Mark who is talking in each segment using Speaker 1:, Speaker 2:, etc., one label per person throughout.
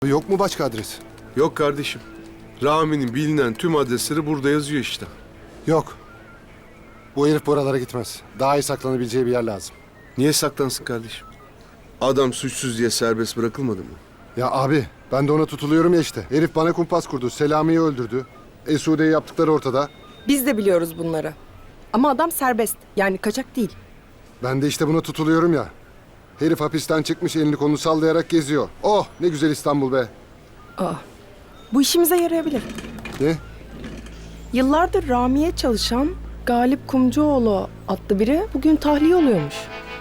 Speaker 1: Yok mu başka adres?
Speaker 2: Yok kardeşim. Rami'nin bilinen tüm adresleri burada yazıyor işte.
Speaker 1: Yok. Bu herif buralara gitmez. Daha iyi saklanabileceği bir yer lazım.
Speaker 2: Niye saklansın kardeşim? Adam suçsuz diye serbest bırakılmadı mı?
Speaker 1: Ya abi ben de ona tutuluyorum ya işte. Herif bana kumpas kurdu. Selami'yi öldürdü. Esude'yi yaptıkları ortada.
Speaker 3: Biz de biliyoruz bunları. Ama adam serbest. Yani kaçak değil.
Speaker 1: Ben de işte buna tutuluyorum ya. Herif hapisten çıkmış elini kolunu sallayarak geziyor. Oh ne güzel İstanbul be.
Speaker 3: Bu işimize yarayabilir.
Speaker 1: Ne?
Speaker 3: Yıllardır Rami'ye çalışan Galip Kumcuoğlu adlı biri bugün tahliye oluyormuş.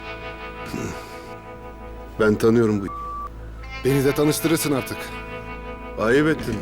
Speaker 2: Ben tanıyorum bu.
Speaker 1: Beni de tanıştırırsın artık.
Speaker 2: Ayıp ettin.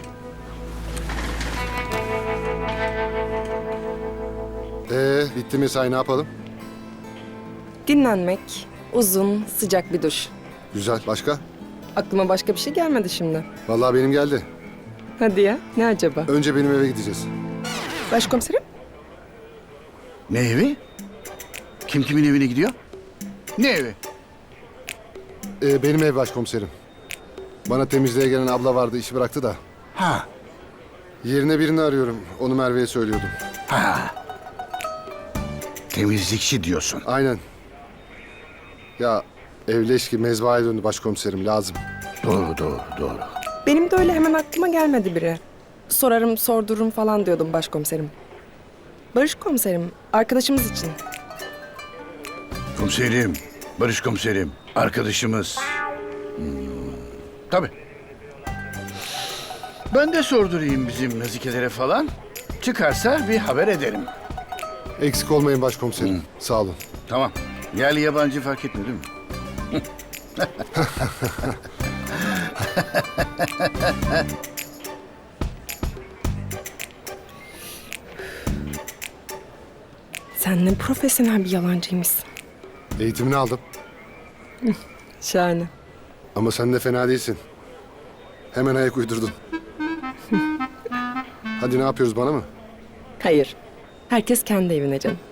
Speaker 1: Bitti mesai ne yapalım?
Speaker 3: Dinlenmek, uzun, sıcak bir duş.
Speaker 1: Güzel. Başka?
Speaker 3: Aklıma başka bir şey gelmedi şimdi.
Speaker 1: Vallahi benim geldi.
Speaker 3: Hadi ya, ne acaba?
Speaker 1: Önce benim eve gideceğiz.
Speaker 3: Başkomiserim?
Speaker 4: Ne evi? Kim kimin evine gidiyor? Ne evi?
Speaker 1: Benim ev başkomiserim. Bana temizliğe gelen abla vardı işi bıraktı da.
Speaker 4: Ha,
Speaker 1: Yerine birini arıyorum. Onu Merve'ye söylüyordum.
Speaker 4: ha. Temizlikçi diyorsun.
Speaker 1: Aynen. Ya evleşki mezbahaya döndü başkomiserim lazım.
Speaker 4: Doğru, doğru, doğru.
Speaker 3: Benim de öyle hemen aklıma gelmedi biri. Sorarım, sordururum falan diyordum başkomiserim. Barış komiserim, arkadaşımız için.
Speaker 4: Komiserim, Barış komiserim, arkadaşımız. Tabii. Ben de sordurayım bizim nazikelere falan. Çıkarsa bir haber ederim.
Speaker 1: Eksik olmayın başkomiserim. Sağ olun.
Speaker 4: Tamam. Yerli yabancı fark etmiyor değil mi?
Speaker 3: Sen ne profesyonel bir yalancıymışsın.
Speaker 1: Eğitimini aldım.
Speaker 3: Şahane.
Speaker 1: Ama sen de fena değilsin. Hemen ayak uydurdun. Hadi ne yapıyoruz bana mı?
Speaker 3: Hayır, herkes kendi evine canım.